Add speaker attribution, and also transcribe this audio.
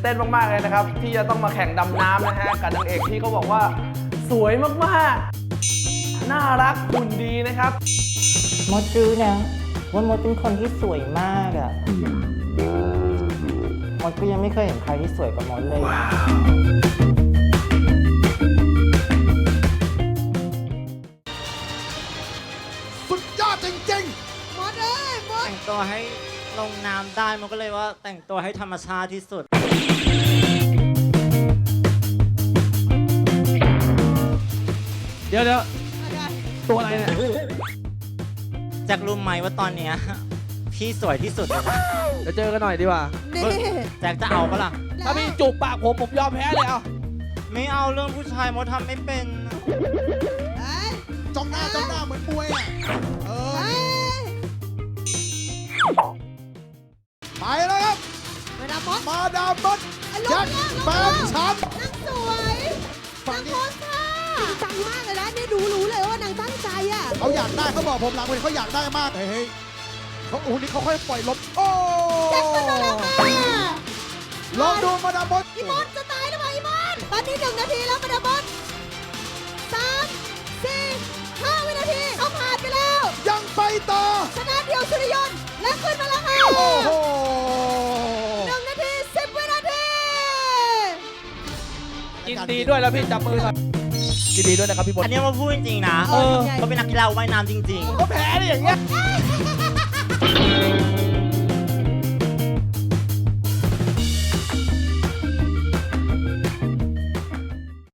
Speaker 1: เต้นมากๆเลยนะครับที่จะต้องมาแข่งดำน้ำนะฮะกับนางเอกที่เขาบอกว่าสวยมากๆน่ารักหุ่นดีนะครับ
Speaker 2: มดรู้นะว่ามดเป็นคนที่สวยมากอะมดก็ยังไม่เคยเห็นใครที่สวยกว่ามดเลย
Speaker 3: สุดยอดจริง
Speaker 4: หมดเลยหมด
Speaker 2: แต่งตัวให้ลงน้ำได้มันก็เลยว่าแต่งตัวให้ธรรมชาติที่สุด
Speaker 1: เดี๋ยวตัวอะไรเนี่ย
Speaker 2: แจ็ครู้ไหมว่าตอนเนี้ยพี่สวยที่สุดเลยนะ
Speaker 1: เดี๋ยวเจอกันหน่อยดีกว่า
Speaker 4: นี่
Speaker 2: แจ็คจะเอาปะล่ะ
Speaker 1: ถ้าพี่จูบปากผมยอมแพ้เลยเอา
Speaker 2: ไม่เอาเรื่องผู้ชายมดทำไม่เป็น
Speaker 4: เอ้ย
Speaker 3: ๆจ้องหน้าเหมือนมวยอ่ะเออ
Speaker 4: เอ้ย
Speaker 3: ไปแล้วครับ
Speaker 4: เวลามด
Speaker 3: มาดามมด
Speaker 4: อ่ะลง
Speaker 3: แจ็ค
Speaker 4: แล้วลง
Speaker 3: แฟ
Speaker 4: แล้ว
Speaker 3: นฉัน
Speaker 4: นางสวยนางโพสท่าจริงจังมากเลยนะนี่รู้เลยว่านางตั้งใจอ่ะ
Speaker 3: เขาอยากได้เขาบอกผมหลังเวทีเขาอยากได้มากเฮ้ยเขาโอ้โหนี่เขาค่อยปล่อยลมโอ้
Speaker 4: แจ็คมาแล้วค่ะ
Speaker 3: ลองดูมาดามมด
Speaker 4: อีมดจะตายหรือเปล่าอีมดตอนนี้1 นาทีแล้วมาดามมด3 4 5 วินาทีเขาผ่านไปแล้ว
Speaker 3: ยังไปต่อ
Speaker 4: ชนะเดียวสุริยนต์และขึ้นมาแล้วค่ะ
Speaker 3: โอ้โห
Speaker 4: 1 นาที 10 วินาที
Speaker 1: ยินดีด้วยแล้วพี่จับมือหน่อยยินดีด้วยนะครับพี่บด
Speaker 2: อันนี้มาพูดจริงๆนะ
Speaker 4: เออ
Speaker 2: เขาเป็นนักกีฬาว่ายน้ำจริง
Speaker 1: ก็แพ้ได้อย่างเงี้ย